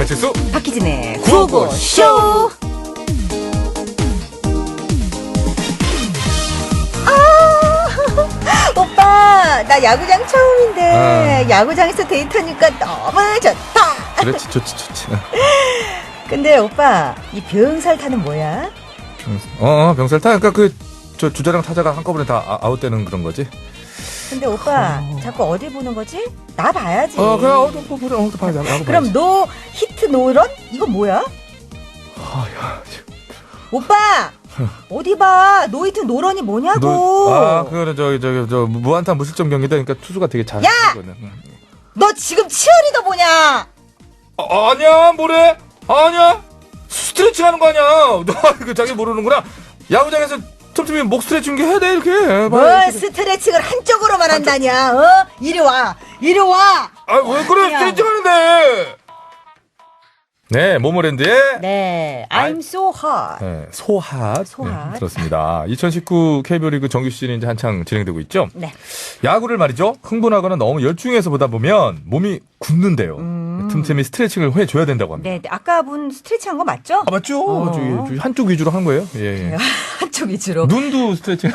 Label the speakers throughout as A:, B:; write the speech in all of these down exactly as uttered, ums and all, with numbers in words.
A: 배칠수
B: 박희진의
A: 구호구쇼.
B: 아, 오빠 나 야구장 처음인데
A: 아.
B: 야구장에서 데이트하니까 너무 좋다.
A: 그렇지, 좋지, 좋지.
B: 근데 오빠 이 병살타는 뭐야?
A: 어, 어 병살 타. 그러니까 그 저 주자랑 타자가 한꺼번에 다 아- 아웃되는 그런 거지.
B: 근데 오빠 자꾸 어디 보는 거지? 나 봐야지.
A: 어, 그래, 어, 뭐, 보래, 어, 봐야지. 야구
B: 그럼
A: 봐야지.
B: 노 히트 노런? 이거 뭐야?
A: 아, 야,
B: 오빠 어디 봐. 노 히트 노런이 뭐냐고.
A: 너, 아, 그거는 저기 저기 저 무안타 무실점 경기다. 그러니까 투수가 되게 잘.
B: 야!
A: 거는. 응.
B: 너 지금 치어리더 보냐?
A: 아, 아니야, 뭐래? 아니야. 스트레칭 하는 거 아니야. 너 이거 자기 모르는구나. 야구장에서 틈틈이 목 스트레칭 게 해야 돼, 이렇게.
B: 뭘 스트레칭을 한쪽으로만 한다냐? 어? 이리 와, 이리 와.
A: 아, 왜 그래?
B: 야.
A: 스트레칭 하는데. 네, 모모랜드의
B: 네, I'm so hot.
A: 네, 소핫.
B: 소핫.
A: 네, 들었습니다. 이천십구 케이비오 리그 정규 시즌이 이제 한창 진행되고 있죠.
B: 네.
A: 야구를 말이죠. 흥분하거나 너무 열중해서 보다 보면 몸이 굳는데요.
B: 음.
A: 틈틈이 스트레칭을 해줘야 된다고 합니다.
B: 네, 아까 분 스트레칭 한 거 맞죠?
A: 아, 맞죠?
B: 어.
A: 저기, 저기 한쪽 위주로 한 거예요. 예, 예.
B: 한쪽 위주로.
A: 눈도 스트레칭.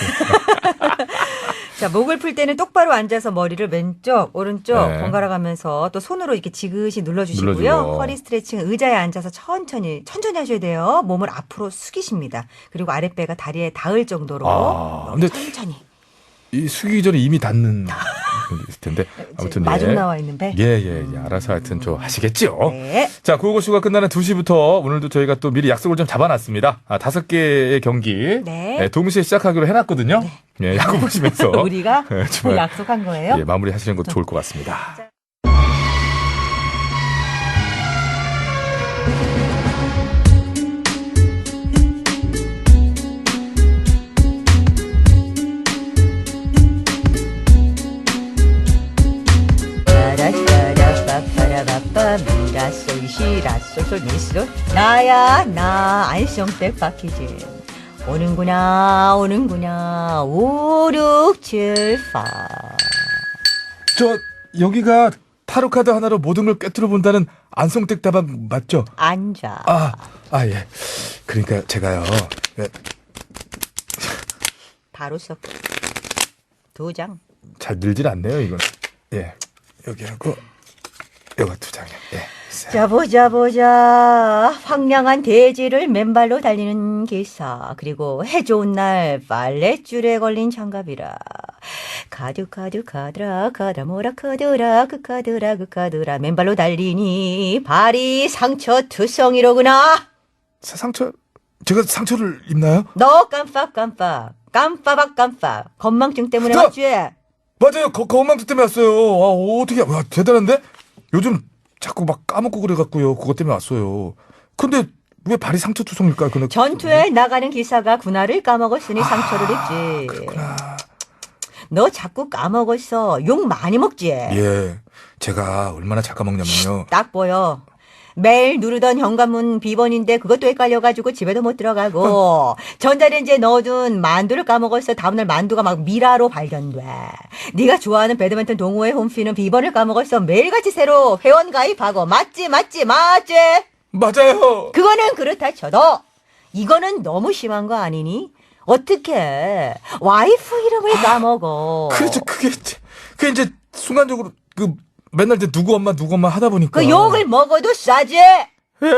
B: 자, 목을 풀 때는 똑바로 앉아서 머리를 왼쪽, 오른쪽
A: 네.
B: 번갈아 가면서 또 손으로 이렇게 지그시 눌러주시고요.
A: 눌러주고.
B: 허리 스트레칭은 의자에 앉아서 천천히, 천천히 하셔야 돼요. 몸을 앞으로 숙이십니다. 그리고 아랫배가 다리에 닿을 정도로
A: 아, 근데
B: 천천히.
A: 이 숙이기 전에 이미 닿는 그런 게 있을 텐데. 아무튼
B: 마중
A: 예.
B: 나와 있는 배.
A: 예, 예, 예. 알아서 하여튼 저 하시겠죠.
B: 네.
A: 자, 구호고쇼가 끝나는 두 시부터 오늘도 저희가 또 미리 약속을 좀 잡아놨습니다. 아, 다섯 개의 경기.
B: 네.
A: 예, 동시에 시작하기로 해놨거든요. 예, 야구 보시면서.
B: 우리가
A: 예, 정말,
B: 약속한 거예요?
A: 예, 마무리 하시는 것도 좋을 것 같습니다.
B: 빠라빠라빠빠라빠빠 미라솔 시라솔솔 미솔 나야 나 안성댁 박희진 오는구나 오는구나 오육칠팔
A: 저, 여기가 타로카드 하나로 모든 걸 꿰뚫어 본다는 안성댁 다방 맞죠?
B: 앉아.
A: 아, 아, 예. 그러니까 제가요. 예,
B: 바로 써. 두 장.
A: 잘 늘질 않네요, 이건. 예. 여기하고, 요거 두 장이요. 예.
B: 자 보자 보자 황량한 대지를 맨발로 달리는 기사 그리고 해 좋은 날 빨랫줄에 걸린 장갑이라 카드 카드 카드라 카다모라 카드라 그 카드라 그 카드라 맨발로 달리니 발이 상처 투성이로구나.
A: 사- 상처, 제가 상처를 입나요?
B: 너 깜빡 깜빡 깜빡 깜빡 건망증 때문에
A: 저-
B: 왔지?
A: 맞아요. 거, 거만투 때문에 왔어요. 아, 어떻게, 와, 대단한데? 요즘 자꾸 막 까먹고 그래갖고요. 그것 때문에 왔어요. 근데 왜 발이 상처 투성일까요? 그는
B: 전투에 나가는 기사가 군화를 까먹었으니 상처를 입지.
A: 아, 그렇구나.
B: 너 자꾸 까먹었어. 욕 많이 먹지?
A: 예. 제가 얼마나 잘 까먹냐면요.
B: 딱 보여. 매일 누르던 현관문 비번인데 그것도 헷갈려가지고 집에도 못 들어가고 전자레인지에 넣어둔 만두를 까먹었어. 다음날 만두가 막 미라로 발견돼. 네가 좋아하는 배드민턴 동호회 홈피는 비번을 까먹었어. 매일같이 새로 회원 가입하고 맞지 맞지 맞지?
A: 맞아요.
B: 그거는 그렇다 쳐도 이거는 너무 심한 거 아니니? 어떻게 와이프 이름을 까먹어?
A: 그렇죠. 그게, 그게 이제 순간적으로 그 맨날 이제 누구 엄마 누구 엄마 하다 보니까.
B: 그 욕을 먹어도 싸지?
A: 예.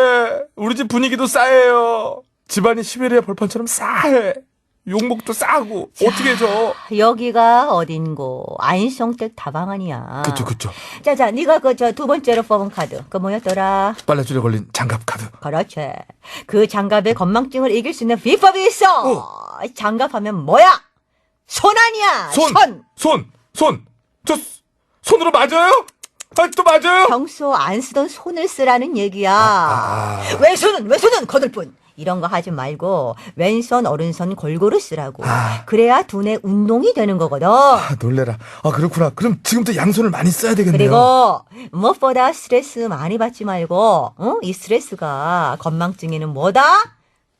A: 우리 집 분위기도 싸해요. 집안이 시베리아 벌판처럼 싸해. 욕먹도 싸고. 어떻게 해줘?
B: 여기가 어딘고 안성댁 다방 아니야.
A: 그쵸, 그쵸.
B: 자자, 네가 그 저 두 번째로 뽑은 카드 그 뭐였더라?
A: 빨래줄에 걸린 장갑 카드.
B: 그렇지. 그 장갑의 건망증을 이길 수 있는 비법이 있어. 장갑하면 뭐야? 손 아니야.
A: 손!
B: 손.
A: 손! 손! 저, 손으로 맞아요? 아, 또 맞아요?
B: 평소 안 쓰던 손을 쓰라는 얘기야.
A: 아.
B: 왼손은 왼손은 거들뿐. 이런 거 하지 말고 왼손 오른손 골고루 쓰라고.
A: 아.
B: 그래야 두뇌 운동이 되는 거거든.
A: 아, 놀래라. 아, 그렇구나. 그럼 지금부터 양손을 많이 써야 되겠네요.
B: 그리고 무엇보다 스트레스 많이 받지 말고 어? 이 스트레스가 건망증에는 뭐다?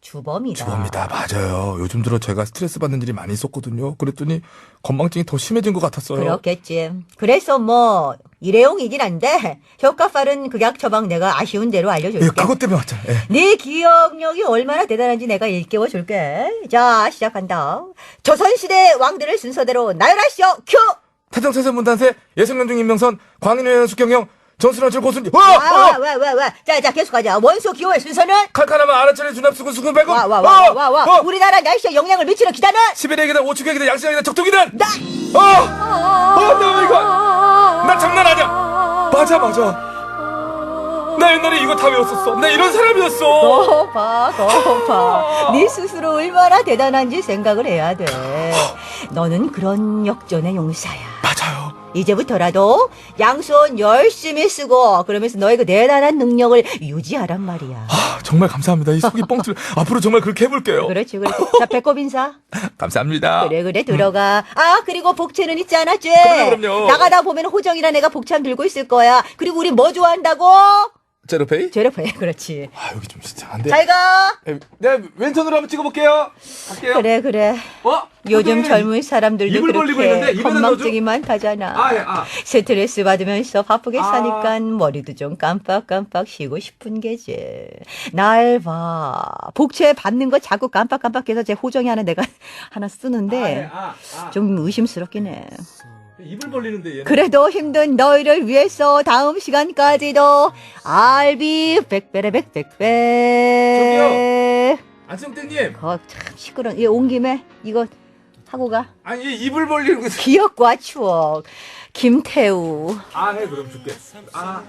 B: 주범이다.
A: 주범이다. 맞아요. 요즘 들어 제가 스트레스 받는 일이 많이 있었거든요. 그랬더니 건망증이 더 심해진 것 같았어요.
B: 그렇겠지. 그래서 뭐 일회용이긴 한데 효과 빠른 극약 처방 내가 아쉬운 대로 알려줄게.
A: 예, 그것 때문에 왔잖아. 예.
B: 네 기억력이 얼마나 대단한지 내가 일깨워 줄게. 자, 시작한다. 조선시대 왕들을 순서대로 나열하시오. 큐!
A: 태정태세 문단세 예성연중 임명선 광인회원 숙경영 전순환철 고순지
B: 와, 와,
A: 와!
B: 와, 와, 와. 자, 자, 계속하자. 원소 기호의 순서는?
A: 칼카나마 아라철의 주납수군 수군 백군
B: 와, 와, 와, 와, 와, 와. 우리나라 날씨에 영향을 미치는 기단은?
A: 시베리아 기단 오축의 기단 양식의 기단 적동기단
B: 나!
A: 어! 어, 나 이거 나 장난 아니야. 맞아, 맞아. 나 옛날에 이거 다 외웠었어. 나 이런 사람이었어.
B: 거봐, 거봐. 네 스스로 얼마나 대단한지 생각을 해야 돼. 너는 그런 역전의 용사야.
A: 맞아요.
B: 이제부터라도 양손 열심히 쓰고 그러면서 너의 그 대단한 능력을 유지하란 말이야.
A: 아, 정말 감사합니다. 이 속이 뻥 뚫려. 앞으로 정말 그렇게 해볼게요.
B: 그렇지, 그렇지. 자, 배꼽 인사.
A: 감사합니다.
B: 그래, 그래, 들어가. 아, 그리고 복채는 잊지 않았지?
A: 그럼요, 그럼요.
B: 나가다 보면 호정이랑 내가 복참 들고 있을 거야. 그리고 우리 뭐 좋아한다고?
A: 제로페이?
B: 제로페이, 그렇지.
A: 아, 여기 좀 이상한데.
B: 잘 가.
A: 에, 내가 왼손으로 한번 찍어볼게요. 갈게요.
B: 그래, 그래.
A: 어?
B: 요즘
A: 선생님.
B: 젊은 사람들도
A: 입을 벌리고 있는데
B: 그렇게
A: 입에다
B: 건망증이 많다잖아.
A: 아, 예, 아.
B: 스트레스 받으면서 바쁘게
A: 아.
B: 사니까 머리도 좀 깜빡깜빡 쉬고 싶은 게지. 날 봐. 복채 받는 거 자꾸 깜빡깜빡해서 제 호정이 하나 내가 하나 쓰는데
A: 아, 예, 아, 아.
B: 좀 의심스럽긴 해.
A: 입을 벌리는데 얘는.
B: 그래도 힘든 너희를 위해서 다음 시간까지도 알비 백배래 백백배.
A: 안성땡님.
B: 거 참 시끄러운. 얘온 김에 이거 하고 가.
A: 아니, 얘 입을 벌리는 거.
B: 기억과 추억. 김태우.
A: 아, 해, 그럼 줄게. 아.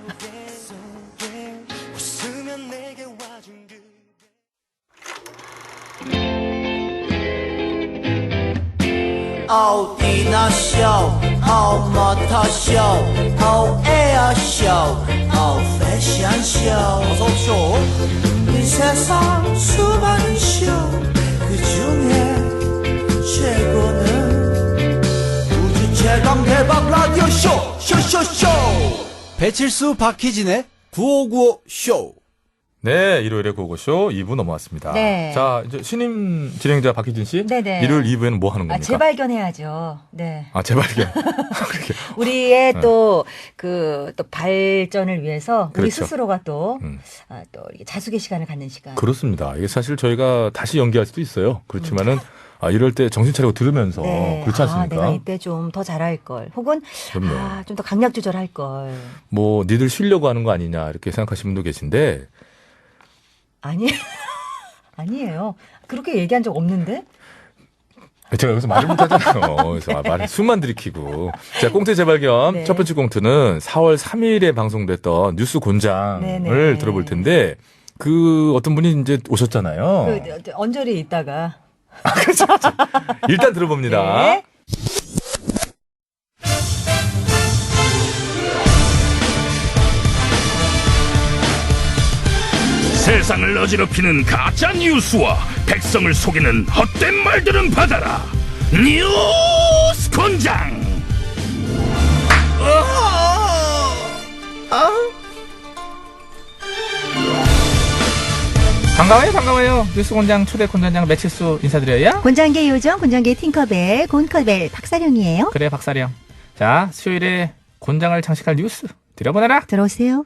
C: 어디나 쇼, 어 모터 쇼, 어 에어 쇼, 어 패션 쇼. 어서 쇼. 이 세상 수많은 쇼, 그 중에 최고는 우주 최강 대박 라디오 쇼, 쇼쇼쇼. 배칠수 박희진의 구오구오 쇼.
A: 네, 일요일에 고고쇼 이 부 넘어왔습니다.
B: 네.
A: 자, 이제 신임 진행자 박희진 씨.
B: 네네.
A: 일요일 이 부에는 뭐 하는
B: 아,
A: 겁니까?
B: 재발견해야죠. 네.
A: 아, 재발견. 그렇게.
B: 우리의
A: 네.
B: 또, 그, 또 발전을 위해서 우리
A: 그렇죠.
B: 스스로가 또,
A: 음.
B: 아, 또 이렇게 자숙의 시간을 갖는 시간.
A: 그렇습니다. 이게 사실 저희가 다시 연기할 수도 있어요. 그렇지만은, 아, 이럴 때 정신 차리고 들으면서. 그렇지 않습니까?
B: 아, 내가 이때 좀 더 잘할 걸. 혹은,
A: 그럼요.
B: 아, 좀 더 강약 조절할 걸.
A: 뭐, 니들 쉬려고 하는 거 아니냐, 이렇게 생각하시는 분도 계신데,
B: 아니, 아니에요. 그렇게 얘기한 적 없는데?
A: 제가 여기서 말을 못하잖아요. 그래서 말을 숨만 들이키고. 자, 꽁트 재발견.
B: 네.
A: 첫 번째 꽁트는 사월 삼일에 방송됐던 뉴스 곤장을
B: 네네.
A: 들어볼 텐데, 그 어떤 분이 이제 오셨잖아요.
B: 그, 저, 언저리에 있다가.
A: 일단 들어봅니다.
B: 네.
D: 세상을 어지럽히는 가짜 뉴스와 백성을 속이는 헛된 말들은 받아라. 뉴스 권장.
E: 반가워요, 반가워요. 뉴스 공장 초대 콘전장 매칠수 인사드려요.
B: 곤장계 요정, 곤장계 팅커벨, 곤커벨, 박사령이에요.
E: 그래, 박사령. 자, 수요일에 곤장을 장식할 뉴스 들여보내라.
B: 들어오세요.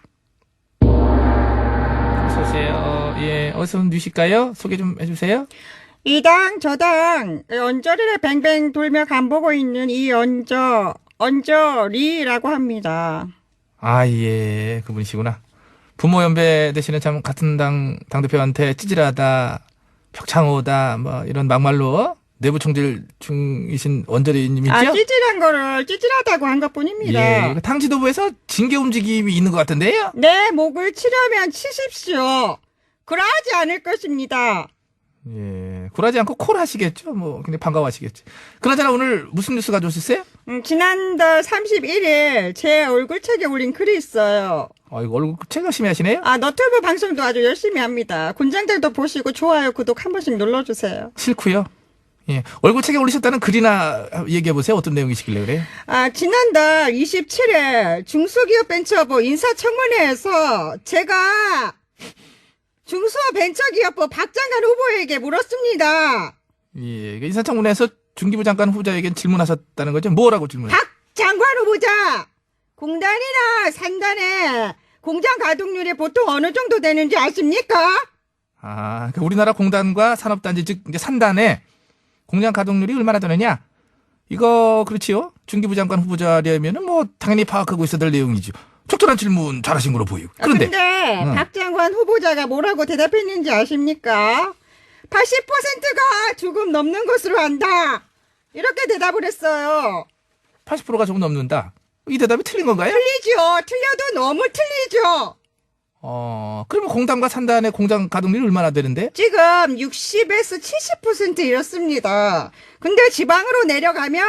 E: 어서오세요. 예, 어디서 뉴실까요? 소개 좀 해주세요.
F: 이당 저당 언저리를 뱅뱅 돌며 간보고 있는 이 언저 언저리라고 합니다.
E: 아, 예, 그분이시구나. 부모 연배 되시는 참 같은 당 당대표한테 찌질하다, 벽창호다, 뭐 이런 막말로 내부 총질 중이신 원저리님이죠?
F: 아 찌질한 거를 찌질하다고 한 것뿐입니다.
E: 예, 당지도부에서 징계 움직임이 있는 것 같은데요?
F: 내 목을 치려면 치십시오. 그러하지 않을 것입니다.
E: 예, 굴하지 않고 콜 하시겠죠? 뭐, 근데 반가워하시겠지. 그나저나 오늘 무슨 뉴스 가져오셨어요?
F: 음, 지난달 삼십일일 제 얼굴책에 올린 글이 있어요.
E: 아, 이거 얼굴 책 열심히 하시네요?
F: 아 너튜브 방송도 아주 열심히 합니다. 군장들도 보시고 좋아요 구독 한 번씩 눌러주세요.
E: 싫고요. 예, 얼굴 책에 올리셨다는 글이나 얘기해보세요. 어떤 내용이시길래 그래요?
F: 아, 지난달 이십칠일 중소기업 벤처부 인사청문회에서 제가 중소벤처기업부 박장관 후보에게 물었습니다.
E: 예, 그 인사청문회에서 중기부 장관 후보자에게 질문하셨다는 거죠? 뭐라고 질문을?
F: 박 장관 후보자, 공단이나 산단에 공장 가동률이 보통 어느 정도 되는지 아십니까?
E: 아, 그러니까 우리나라 공단과 산업단지 즉 이제 산단에 공장 가동률이 얼마나 되느냐? 이거 그렇지요? 중기부 장관 후보자려면은 뭐 당연히 파악하고 있어야 될 내용이죠. 적절한 질문 잘하신 걸로 보이고. 그런데
F: 아, 근데
E: 응.
F: 박 장관 후보자가 뭐라고 대답했는지 아십니까? 팔십 퍼센트가 조금 넘는 것으로 안다. 이렇게 대답을 했어요.
E: 팔십 퍼센트가 조금 넘는다. 이 대답이 틀린 건가요?
F: 틀리죠. 틀려도 너무 틀리죠.
E: 어, 그러면 공단과 산단의 공장 가동률이 얼마나 되는데?
F: 지금 육십에서 칠십 퍼센트 이렇습니다. 근데 지방으로 내려가면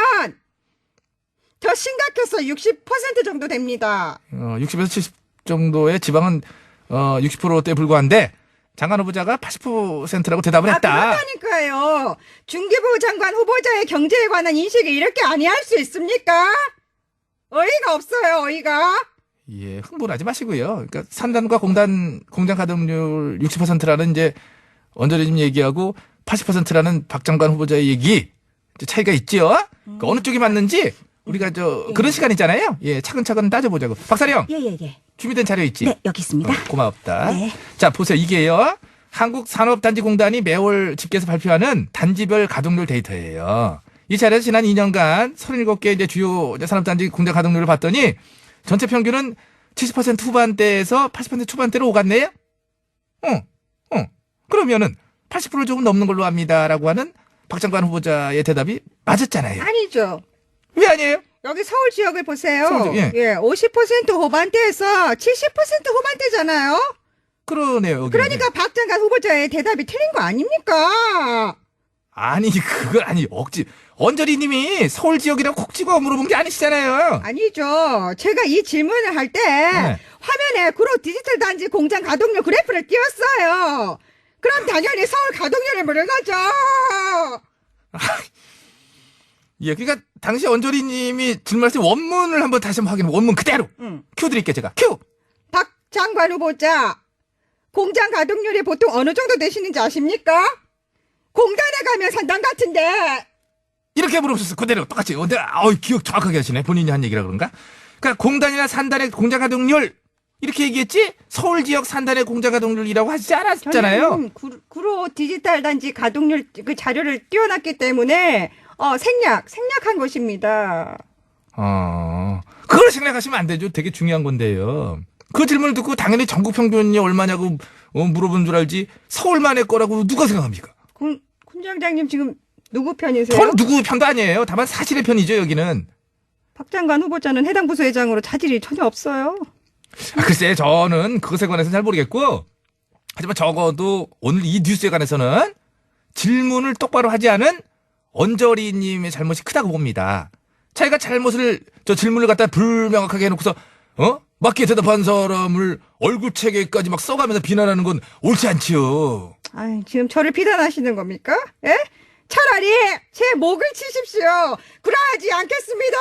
F: 더 심각해서 육십 퍼센트 정도 됩니다.
E: 어, 육십에서 칠십 정도의 지방은 어, 육십 퍼센트대에 불과한데 장관 후보자가 팔십 퍼센트라고 대답을
F: 아,
E: 했다.
F: 그렇다니까요. 중기부 장관 후보자의 경제에 관한 인식이 이렇게 아니할 수 있습니까? 어이가 없어요, 어이가.
E: 예, 흥분하지 마시고요. 그러니까 산단과 공단 공장 가동률 육십 퍼센트라는 이제 언저리즘 얘기하고 팔십 퍼센트라는 박 장관 후보자의 얘기 이제 차이가 있지요. 그러니까 어느 쪽이 맞는지 우리가 저 그런 시간 있잖아요. 예, 차근차근 따져보자고. 박사령
B: 예, 예, 예.
E: 준비된 자료 있지?
B: 네, 여기 있습니다.
E: 어, 고맙다.
B: 네.
E: 자, 보세요. 이게요. 한국산업단지공단이 매월 집계해서 발표하는 단지별 가동률 데이터예요. 이 자료에서 지난 이 년간 서른일곱 개 이제 주요 이제 산업단지 공장 가동률을 봤더니 전체 평균은 칠십 퍼센트 후반대에서 팔십 퍼센트 초반대로 오갔네요? 어, 어. 그러면은 팔십 퍼센트 조금 넘는 걸로 합니다라고 하는 박 장관 후보자의 대답이 맞았잖아요.
F: 아니죠.
E: 왜 아니에요?
F: 여기 서울 지역을 보세요.
E: 서울 지역, 예.
F: 예, 오십 퍼센트 후반대에서 칠십 퍼센트 후반대잖아요.
E: 그러네요. 여기.
F: 그러니까 박 장관 후보자의 대답이 틀린 거 아닙니까?
E: 아니, 그건 아니, 억지. 언저리 님이 서울 지역이라고 콕 찍어 물어본 게 아니시잖아요.
F: 아니죠. 제가 이 질문을 할 때
E: 네.
F: 화면에 구로 디지털 단지 공장 가동률 그래프를 띄웠어요. 그럼 당연히 서울 가동률을 물은 거죠.
E: 예, 그러니까 당시 언저리 님이 질문하신 원문을 한번 다시 한번 확인, 원문 그대로.
F: 응.
E: 큐 드릴게요, 제가. 큐!
F: 박 장관 후보자, 공장 가동률이 보통 어느 정도 되시는지 아십니까? 공단에 가면 산단 같은데.
E: 이렇게 물어보셨어. 그대로 똑같이. 근데 어이, 기억 정확하게 하시네. 본인이 한 얘기라 그런가? 그러니까 공단이나 산단의 공장 가동률 이렇게 얘기했지? 서울 지역 산단의 공장 가동률이라고 하지 않았잖아요.
F: 저는 구, 구로 디지털 단지 가동률 그 자료를 띄워놨기 때문에 어, 생략, 생략한 것입니다.
E: 어, 그걸 생각하시면 안 되죠. 되게 중요한 건데요. 그 질문을 듣고 당연히 전국 평균이 얼마냐고 어, 물어본 줄 알지 서울만의 거라고 누가 생각합니까?
F: 군, 군장장님 지금 누구 편이세요?
E: 전 누구 편도 아니에요. 다만 사실의 편이죠, 여기는.
F: 박 장관 후보자는 해당 부서회장으로 차질이 전혀 없어요.
E: 아, 글쎄, 저는 그것에 관해서는 잘 모르겠고, 하지만 적어도 오늘 이 뉴스에 관해서는 질문을 똑바로 하지 않은 언저리님의 잘못이 크다고 봅니다. 자기가 잘못을, 저 질문을 갖다 불명확하게 해놓고서, 어? 맞게 대답한 사람을 얼굴체계까지 막 써가면서 비난하는 건 옳지 않지요.
F: 아, 지금 저를 비난하시는 겁니까? 예? 차라리 제 목을 치십시오. 그러하지 않겠습니다.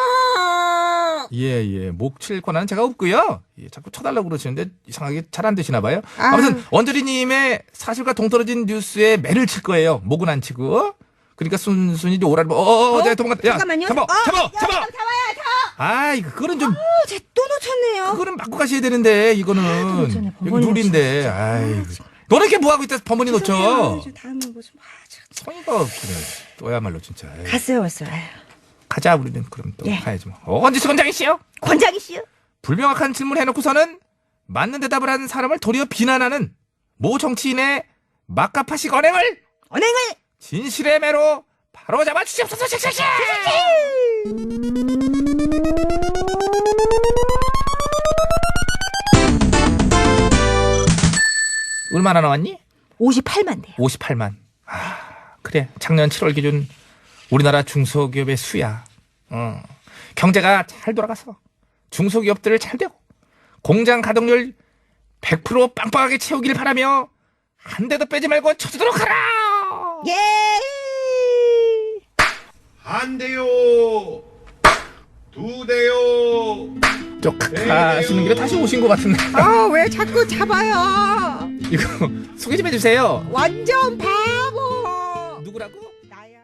E: 예, 예. 목 칠 권한은 제가 없고요. 예, 자꾸 쳐달라고 그러시는데 이상하게 잘 안 되시나 봐요.
F: 아.
E: 아무튼 원저리님의 사실과 동떨어진 뉴스에 매를 칠 거예요. 목은 안 치고. 그러니까 순순히 오라를 어, 어, 어, 내가 도망갔다. 야,
F: 잠깐만요.
E: 잡아,
F: 어,
E: 잡아,
F: 야,
E: 잡아.
F: 잡아야 다.
E: 아이, 그거는 좀,
F: 제 또 놓쳤네요.
E: 그거는 바꿔 가셔야 되는데 이거는
B: 놓쳤네.
E: 여기
B: 번번이
E: 룰인데. 아이, 너는 이렇게 뭐 하고 있다 번번이 놓쳐.
F: 다음은 무슨 아, 참.
E: 성의가 없네. 또야말로 진짜. 에이.
B: 갔어요, 왔어요.
E: 가자 우리는 그럼 또
B: 예.
E: 가야지 뭐. 어, 언제 수건장이시여?
B: 권장이시여?
E: 불명확한 질문 해놓고서는 맞는 대답을 하는 사람을 도리어 비난하는 모 정치인의 막가파식 언행을
B: 언행을!
E: 진실의 매로 바로 잡아 주시옵소서. 씩씩씩. 얼마나 나왔니?
B: 오십팔만 대요.
E: 오십팔만. 아, 그래. 작년 칠월 기준 우리나라 중소기업의 수야. 어. 경제가 잘 돌아가서 중소기업들을 잘 되고 공장 가동률 백 퍼센트 빵빵하게 채우길 바라며 한 대도 빼지 말고 쳐주도록 하라.
F: 예.
G: 한 대요, 두 대요.
E: 저 가시는 길에 다시 오신 것 같은데.
F: 아, 왜 자꾸 잡아요?
E: 이거 소개 좀 해주세요.
F: 완전 바보.
E: 누구라고?
F: 나야.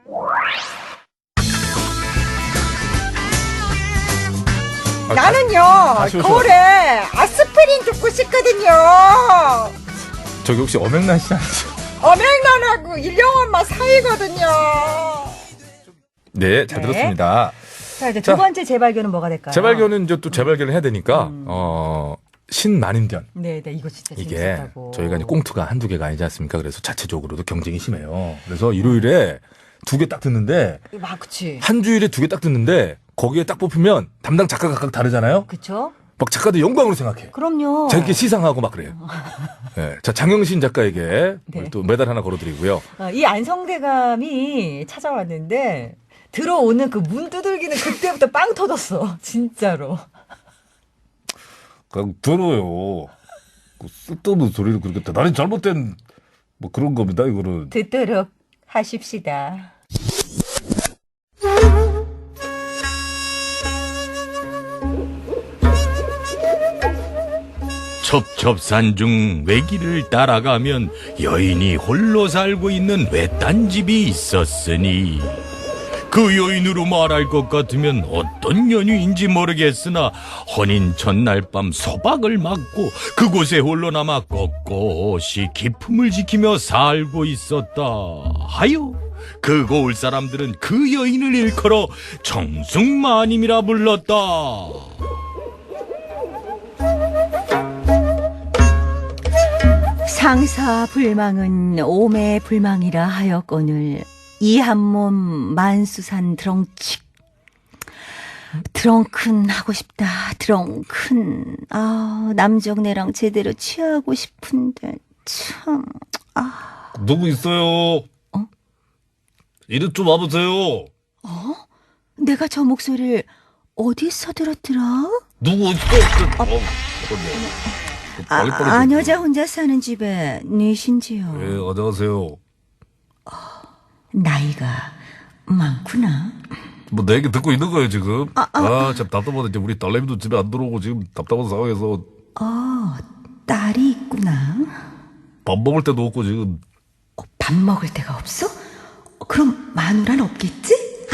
F: 나는요
A: 아쉬워서.
F: 거울에 아스피린 줍고 싶거든요.
A: 저기 혹시 엄영란 씨 아니죠?
F: 엄행란하고 일령엄마 사이거든요.
A: 네, 잘
B: 네.
A: 들었습니다.
B: 자, 이제 두
A: 자,
B: 번째 재발견은 뭐가 될까요?
A: 재발견은 이제 또 재발견을 해야 되니까 어 신만인견.
B: 네, 네, 이거 진짜
A: 이게
B: 재밌었다고.
A: 저희가 이제 꽁투가 한두 개가 아니지 않습니까? 그래서 자체적으로도 경쟁이 심해요. 그래서 일요일에 두 개 딱 듣는데
B: 아, 그치.
A: 한 주일에 두 개 딱 듣는데 거기에 딱 뽑히면 담당 작가 각각 다르잖아요.
B: 그쵸?
A: 막 작가들 영광으로 생각해.
B: 그럼요.
A: 자기께 시상하고 막 그래요. 네. 자, 장영신 작가에게
B: 네.
A: 또 메달 하나 걸어드리고요.
B: 어, 이 안성대감이 찾아왔는데 들어오는 그 문 두들기는 그때부터 빵 터졌어. 진짜로.
A: 그냥 들어요. 그 쓸데없는 소리를 그렇게 대단히 잘못된 뭐 그런 겁니다. 이거는.
B: 듣도록 하십시다.
D: 첩첩산 중 외길을 따라가면 여인이 홀로 살고 있는 외딴 집이 있었으니 그 여인으로 말할 것 같으면 어떤 연유인지 모르겠으나 혼인 전날 밤 소박을 맞고 그곳에 홀로 남아 꼿꼿이 기품을 지키며 살고 있었다 하여 그 고을 사람들은 그 여인을 일컬어 정승마님이라 불렀다.
B: 상사불망은 오매불망이라 하였거늘 이 한 몸 만수산 드렁칙. 드렁큰 하고 싶다. 드렁큰. 아, 남정네랑 제대로 취하고 싶은데 참. 아.
A: 누구 있어요?
B: 어?
A: 이리 좀 와보세요.
B: 내가 저 목소리를 어디서 들었더라?
A: 누구 있어? 어, 어,
B: 아, 안 여자 혼자 사는 집에 니신지요?
A: 예, 안녕하세요.
B: 나이가 많구나.
G: 뭐 내 얘기 듣고 있는 거예요 지금. 아, 참 답답하다. 이제 우리 딸내미도 집에 안 들어오고 지금 답답한 상황에서
B: 어, 딸이 있구나.
G: 밥 먹을 때도 없고 지금.
B: 어, 밥 먹을 데가 없어? 어, 그럼 마누라는 없겠지?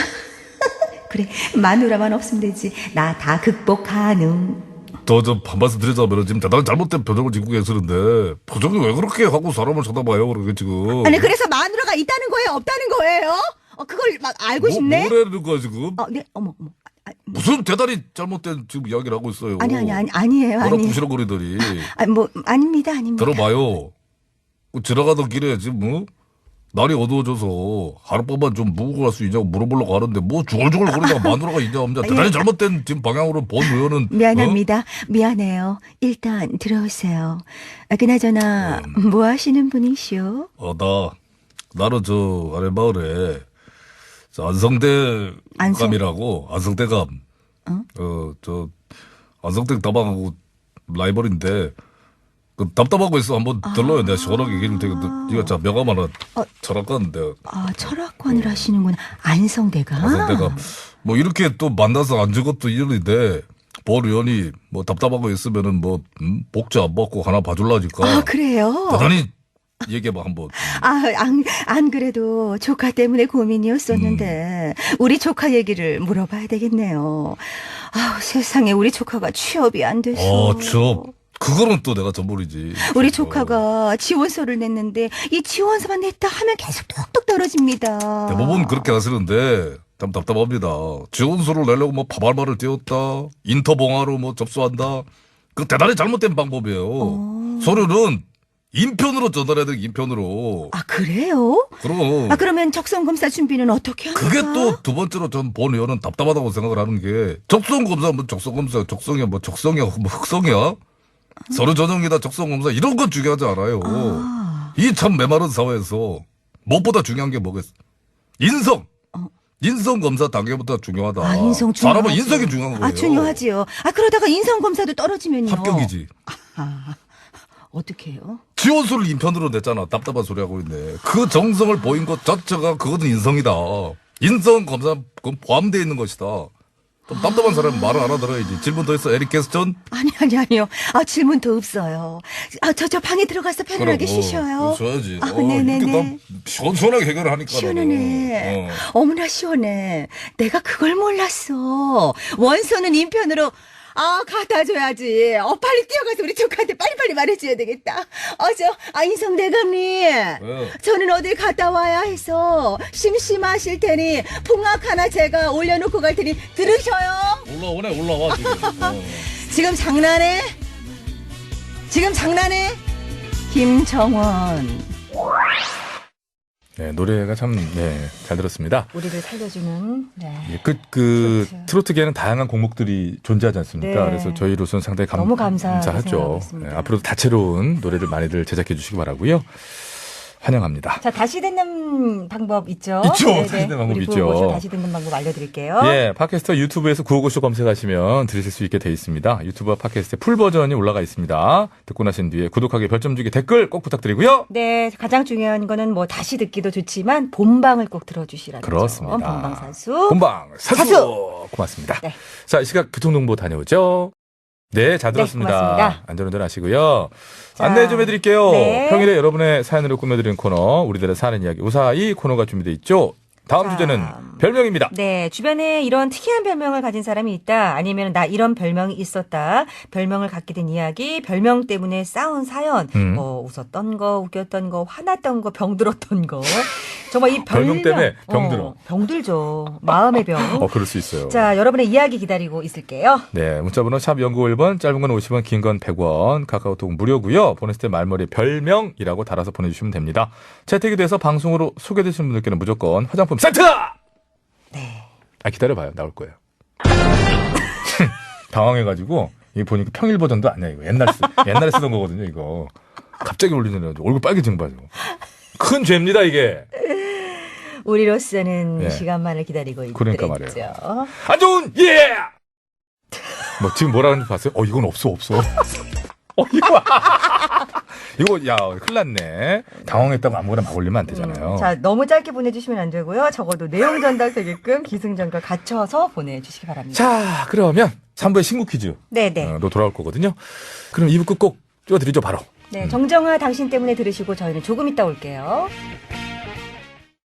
B: 그래, 마누라만 없으면 되지. 나 다 극복 가능.
G: 저저 한 말씀 드리자면 지금 대단히 잘못된 표정을 짓고 계시는데 표정이 왜 그렇게 하고 사람을 쳐다봐요 그렇게 지금.
F: 아니 그래서 마누라가 있다는 거예요, 없다는 거예요? 어, 그걸 막 알고
G: 뭐,
F: 싶네.
G: 뭐라는 거야 지금?
B: 어, 네, 어머, 어머. 아,
G: 무슨 대단히 잘못된 지금 이야기를 하고 있어요.
B: 아니, 아니, 아니, 아니에요,
G: 뭐라
B: 아니에요.
G: 부시럭거리더니.
B: 아, 뭐, 아닙니다, 아닙니다.
G: 들어봐요. 그 지나가던 길에 지금 뭐 날이 어두워져서 하룻밤만 좀 묵고 갈 수 있냐고 물어보려고 하는데 뭐 중얼중얼 거리다가 마누라가 있냐 없냐 대단히
B: 예.
G: 잘못된 지금 방향으로 본 의원은.
B: 미안합니다. 미안해요. 일단 들어오세요. 아, 그나저나 뭐 하시는 분이시오?
G: 어, 나, 나는 저, 아래 마을에, 저 안성대
B: 안성-
G: 감이라고, 안성대감.
B: 어?
G: 어, 저, 안성대 다방하고 라이벌인데, 그 답답하고 있어. 한번 들러요. 내가 시원하게 얘기를 되게, 이거 자, 명함 하나, 철학가는데,
B: 아, 철학관을 하시는구나. 안성대가.
G: 안성대감. 뭐 이렇게 또 만나서 앉은 것도 인연인데, 본 의원이 뭐 답답하고 있으면은 뭐, 음, 복지 안 받고 하나 봐줄라니까.
B: 아, 그래요?
G: 대단히 얘기해봐, 한번.
B: 아, 안, 안 그래도 조카 때문에 고민이었었는데, 우리 조카 얘기를 물어봐야 되겠네요. 아, 세상에 우리 조카가 취업이 안 돼서.
G: 어, 취업. 그거는 또 내가 전문이지.
B: 우리
G: 어.
B: 조카가 지원서를 냈는데 이 지원서만 냈다 하면 계속 뚝뚝 떨어집니다.
G: 대부분 그렇게 하시는데 참 답답합니다. 지원서를 내려고 뭐 파발말을 띄웠다. 인터봉화로 뭐 접수한다. 그 대단히 잘못된 방법이에요. 서류는 인편으로 전달해야 돼, 인편으로.
B: 아, 그래요?
G: 그럼.
B: 아, 그러면 적성검사 준비는 어떻게 합니까?
G: 그게 또 두 번째로 전 본 의원은 답답하다고 생각을 하는 게 적성검사 뭐 적성검사 적성이야 뭐 적성이야 뭐 흑성이야 서류 전형이다 적성검사 이런 건 중요하지 않아요. 이 참 메마른 사회에서 무엇보다 중요한 게 뭐겠어? 인성. 인성 검사 단계부터 중요하다.
B: 아, 인성 중요하죠.
G: 사람은 인성이 중요한 거예요.
B: 아, 중요하지요. 아, 그러다가 인성검사도 떨어지면요.
G: 합격이지.
B: 어떻게 해요?
G: 지원서를 인편으로 냈잖아. 답답한 소리 하고 있네. 그 정성을 보인 것 자체가 그것은 인성이다. 인성 검사 그건 포함되어 있는 것이다. 좀 답답한 사람은 말을 알아들어야지. 질문 더 있어, 에릭 캐스턴?
B: 아니, 아니, 아니요. 아, 질문 더 없어요. 아, 저, 저 방에 들어가서 편안하게 쉬셔요.
G: 쉬어야지.
B: 아,
G: 어,
B: 네네네.
G: 이렇게 다 시원시원하게 해결을 하니까.
B: 시원하네.
G: 어.
B: 어머나 시원해. 내가 그걸 몰랐어. 원서는 인편으로 아 갖다 줘야지. 어 빨리 뛰어가서 우리 조카한테 빨리빨리 말해줘야 되겠다. 어저 아 인성 대감님.
G: 왜요?
B: 저는 어딜 갔다 와야 해서 심심하실 테니 풍악 하나 제가 올려놓고 갈 테니 들으셔요.
G: 올라오네, 올라와, 지금. 어.
B: 지금 장난해? 지금 장난해? 김정원.
A: 네, 노래가 참, 네, 잘 들었습니다.
B: 우리를 살려주는 네.
A: 예, 그, 그,
B: 트로트.
A: 트로트계에는 다양한 곡목들이 존재하지 않습니까?
B: 네.
A: 그래서 저희로서는 상당히 감,
B: 너무 감사하게
A: 감사하죠.
B: 생각하고 있습니다.
A: 네, 앞으로도 다채로운 노래를 많이들 제작해 주시기 바라고요. 환영합니다.
B: 자, 다시 듣는 방법 있죠?
A: 있죠.
B: 네네.
A: 다시 듣는 방법
B: 우리
A: 있죠.
B: 구호고쇼 다시 듣는 방법 알려드릴게요.
A: 예, 팟캐스터 유튜브에서 구호고쇼 검색하시면 들으실 수 있게 돼 있습니다. 유튜브와 팟캐스트의 풀 버전이 올라가 있습니다. 듣고 나신 뒤에 구독하기, 별점 주기, 댓글 꼭 부탁드리고요.
B: 네, 가장 중요한 거는 뭐 다시 듣기도 좋지만 본방을 꼭 들어주시라는 점.
A: 그렇습니다.
B: 본방사수.
A: 본방 사수!
B: 사수!
A: 고맙습니다.
B: 네.
A: 자, 이 시각 교통정보 다녀오죠. 네, 잘 들었습니다.
B: 네, 고맙습니다.
A: 안전운전 하시고요.
B: 자,
A: 안내 좀 해드릴게요.
B: 네.
A: 평일에 여러분의 사연으로 꾸며드리는 코너, 우리들의 사는 이야기 우사히 코너가 준비되어 있죠. 다음
B: 자,
A: 주제는 별명입니다.
B: 네, 주변에 이런 특이한 별명을 가진 사람이 있다. 아니면 나 이런 별명이 있었다. 별명을 갖게 된 이야기, 별명 때문에 싸운 사연,
A: 음.
B: 뭐 웃었던 거, 웃겼던 거, 화났던 거, 병들었던 거. 정말 이 별명
A: 별명 때문에 병들어.
B: 어, 병들죠. 마음의 병.
A: 어, 그럴 수 있어요.
B: 자, 여러분의 이야기 기다리고 있을게요.
A: 네, 문자번호 샵 영구일 번, 짧은 건 오십 원, 긴 건 백 원, 카카오톡 무료고요. 보냈을 때 말머리 별명이라고 달아서 보내주시면 됩니다. 채택이 돼서 방송으로 소개되시는 분들께는 무조건 화장품 세트!
B: 네.
A: 아, 기다려봐요. 나올 거예요. 당황해가지고, 이거 보니까 평일 버전도 아니야, 이거. 옛날, 쓰, 옛날에 쓰던 거거든요, 이거. 갑자기 올리느라 얼굴 빨개진 거 봐요. 큰 죄입니다, 이게.
B: 우리로서는
A: 네.
B: 시간만을 기다리고 있죠.
A: 그러니까 말이에요. 안 좋은, 예! 뭐, 지금 뭐라 하는지 봤어요? 어, 이건 없어, 없어. 어, 이거. 이거, 야, 큰일 났네. 당황했다고 아무거나 막 올리면 안 되잖아요.
B: 음, 자, 너무 짧게 보내주시면 안 되고요. 적어도 내용 전달 되게끔 기승전결 갖춰서 보내주시기 바랍니다.
A: 자, 그러면 삼 부의 신곡 퀴즈.
B: 네네.
A: 어, 로 돌아올 거거든요. 그럼 이 부 끝곡 띄워드리죠, 바로.
B: 네, 정정아 당신 때문에 들으시고 저희는 조금 이따 올게요.